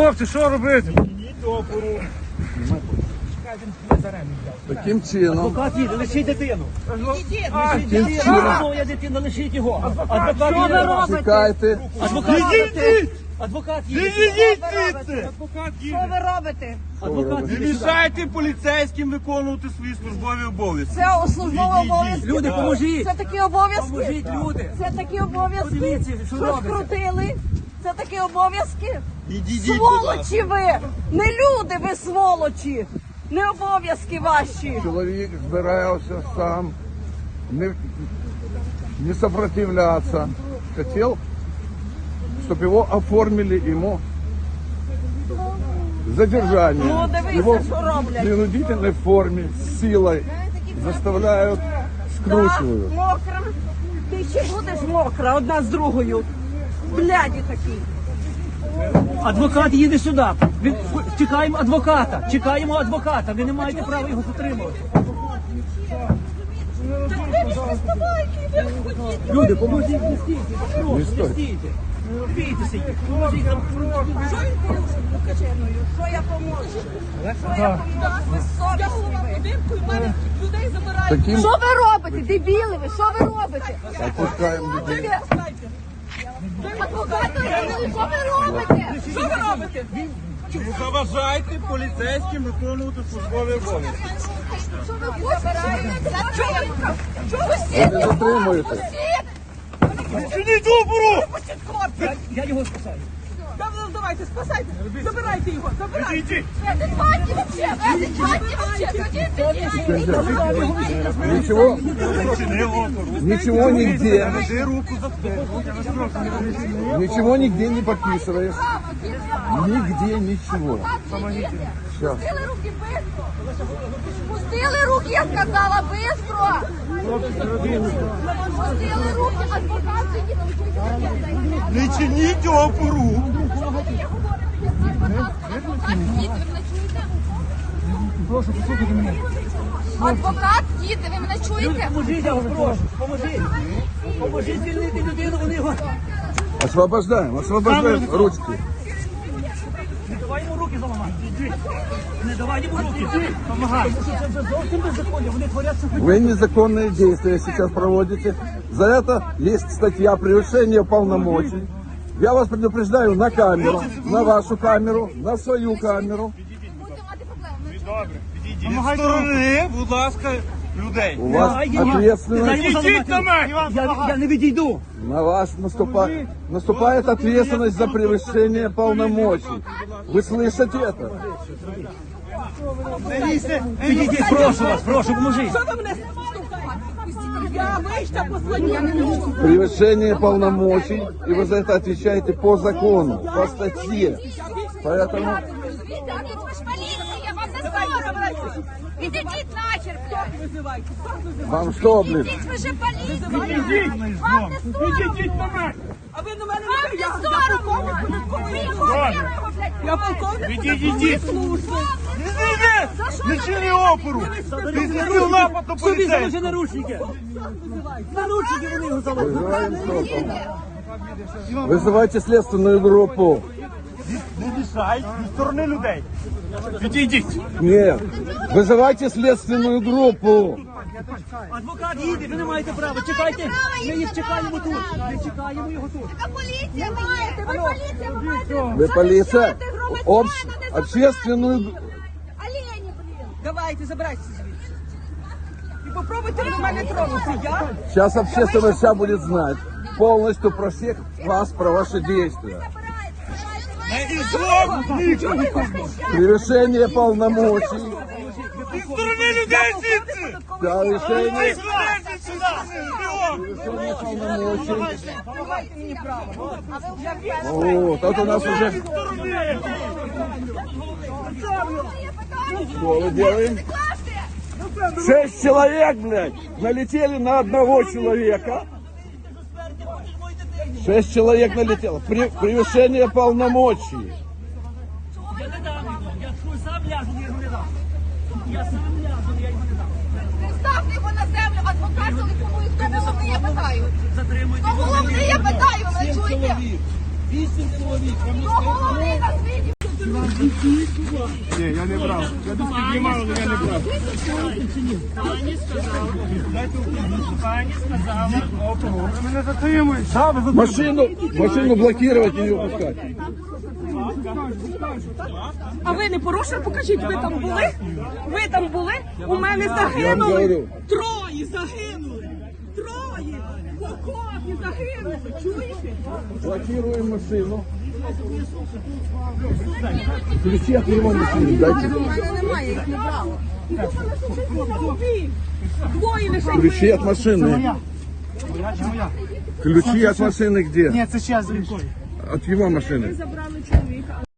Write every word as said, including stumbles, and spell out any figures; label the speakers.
Speaker 1: хлопці, що робити?
Speaker 2: Таким чином.
Speaker 3: Адвокат їде, лишіть дитину.
Speaker 2: Таким чином.
Speaker 3: Моя дитина, лишіть його. Адвокат
Speaker 4: Що ви
Speaker 3: їде.
Speaker 4: робите?
Speaker 2: Чекайте.
Speaker 3: Адвокат їде. Адвокат їде.
Speaker 1: Відійдіть звідси! Адвокат
Speaker 4: Що
Speaker 1: їде.
Speaker 4: ви робите?
Speaker 3: Адвокат
Speaker 1: Не
Speaker 3: їде.
Speaker 1: мішайте поліцейським виконувати свої службові обов'язки.
Speaker 4: Це службові обов'язки.
Speaker 3: Люди, поможіть.
Speaker 4: Це такі обов'язки.
Speaker 3: Поможіть, люди.
Speaker 4: Це такі обов'язки.
Speaker 3: Подивіться, що
Speaker 4: Що
Speaker 3: робиться.
Speaker 4: скрутили? Це такі обов'язки.
Speaker 1: Відійдіть, будь ласка.
Speaker 4: Сволочі ви! Не люди ви сволочі! Не обов'язки ваші!
Speaker 2: Чоловік збирався сам, не, не сопротивляться. Хотел, чтобы его оформили ему задержание.
Speaker 4: Ну, дивися,
Speaker 2: Его
Speaker 4: що
Speaker 2: в
Speaker 4: роблять.
Speaker 2: принудительной форме, с силой заставляют,
Speaker 4: Так,
Speaker 2: скручивают.
Speaker 4: мокра. Ти ще будеш мокра одна з другою. Бляді такі.
Speaker 3: Адвокат їде сюди. Він- Чекаємо адвоката. Чекаємо адвоката. Ви не маєте права його затримувати. Люди, поможіть, не стійте. Прошу, не стійте. Не бійтеся їх. Поможіть нам.
Speaker 4: Що він порушив? Покажи мною. Що я поможу? Що я поможу? Безсовісні ви.
Speaker 2: Таким
Speaker 4: Що ви робите? Дебіли ви? Що ви робите?
Speaker 2: опускаем людей.
Speaker 4: Адвокати, що ви робите? Що ви робите?
Speaker 1: Не заважайте поліцейським виконувати службові обов'язки.
Speaker 4: Що ви хочете? Чого ви
Speaker 2: Ви не затримуєте.
Speaker 1: Чиніть опору!
Speaker 3: Я, я його спасаю.
Speaker 4: Давайте, спасайте. Забирайте його. Забирайте.
Speaker 1: Відійдіть!
Speaker 4: Адекватні вообще. Адекватні вообще.
Speaker 2: Ничего,
Speaker 1: Чини опору.
Speaker 2: ничего нигде,
Speaker 1: Веди руку за спину.
Speaker 2: ничего нигде не подписываешь. Нигде ничего. Сейчас.
Speaker 4: Пустили руки быстро. Пустили руки, я сказала, быстро. Пустили руки, адвокат сидить.
Speaker 1: Не чиніть опору!
Speaker 3: Прошу, послухайте мене.
Speaker 4: Адвокат їде, ви мене чуєте?
Speaker 3: Поможіть, я вас прошу. Поможіть. Поможіть звільнити людину, вони його.
Speaker 2: Освобождаем, освобождаем ручки.
Speaker 3: Не давай йому руки заламати. Не давай йому руки. Помагай. Це вже зовсім беззаконня. Вони творять це.
Speaker 2: Вы незаконные действия сейчас проводите. За это есть статья «Превышение полномочий». Я вас предупреждаю на камеру, на вашу камеру, на свою камеру.
Speaker 4: Будете мати проблеми.
Speaker 1: Добре, відійдіть. Від сторони, будь ласка, людей.
Speaker 2: У вас
Speaker 3: Дай йому.
Speaker 2: ответственность,
Speaker 3: Дай йому
Speaker 1: Ідіть на
Speaker 3: заламати.
Speaker 1: мене!
Speaker 3: Я, я не відійду.
Speaker 2: на вас наступает, наступает ответственность за превышение полномочий. Вы слышите это?
Speaker 3: Підійдіть, прошу вас, прошу, поможіть.
Speaker 4: Що ви мене штовхаєте? Я вийшла послання.
Speaker 2: Превышение полномочий, и вы за это отвечаете по закону, по статье. Поэтому
Speaker 4: Ви ж поліція, вам не соромно. Відійдіть нахер, блядь.
Speaker 2: вам что, блин?
Speaker 4: Ідіть, ви же поліція. Вам не соромно.
Speaker 1: Відійдіть на мене!
Speaker 4: А ви на мене не я соромно. Ви його, блядь. Я полковник.
Speaker 1: Відійдіть! Відійдіть! Не чини опору! Ти зробив напад на
Speaker 3: Собі заложи
Speaker 1: поліцейського!
Speaker 3: наручники. Наручники вони його заложили.
Speaker 2: Вызывайте следственную группу.
Speaker 1: Не мішай від сторони людей! Відійдіть!
Speaker 2: Нет, вызывайте следственную группу.
Speaker 3: Адвокат їде, ви не маєте права. Чекайте. Ми їх чекаємо тут. Ми чекаємо його тут.
Speaker 4: А поліція маєте, ви поліція, ви маєте.
Speaker 2: Вы полиция, общ- общественную...
Speaker 4: Олені, блін.
Speaker 5: Давайте, забирайтеся звідси. І попробуйте до мене тронути. Я?
Speaker 2: Сейчас общественность вся будет знать полностью про всех вас, про ваши действия.
Speaker 1: Не ізлом!
Speaker 2: Превышение полномочий.
Speaker 1: Від сторони людей звідси!
Speaker 2: Превышение,
Speaker 1: Злезіть сюди! Бігом!
Speaker 2: полномочий.
Speaker 5: Давайте мені право.
Speaker 2: Вот, это у нас уже... Что мы делаем? Шесть человек, блядь, налетели на одного человека. Шесть человек налетело. При- превышение полномочий.
Speaker 3: Я не дам його. Я сам ляжу, я його не дам. Я сам ляжу, я його не дам.
Speaker 4: Не ставте його на землю, адвокат телефонує. Хто головний, я питаю.
Speaker 3: Затримуйте.
Speaker 4: Хто головний, я питаю, ви чуєте?
Speaker 3: Вісім чоловік.
Speaker 4: Хто головний на світі?
Speaker 1: Ні, я не брав. Я десь піднімав, але я не брав.
Speaker 3: Пані сказала. Пані сказала.
Speaker 1: Ви мене затримуєте. Да, ви затримуєте.
Speaker 2: Машину, машину блокировать и не выпускать.
Speaker 5: А ви не порушили? Покажіть, ви там були? Ви там були? У мене
Speaker 2: Я вам
Speaker 5: загинули.
Speaker 2: говорю.
Speaker 5: Троє загинули. Троє. В окопі загинули. Чуєте?
Speaker 2: Блокируем машину. Ключи от его машины дайте.
Speaker 5: У мене немає, їх не брала. І думали, що це не робив. Двоє лише
Speaker 2: Ключи от машины.
Speaker 3: Моя чи моя?
Speaker 2: Ключи от машины где?
Speaker 3: Ні, це ще з рікою.
Speaker 2: От его машины.
Speaker 5: забрали чоловіка.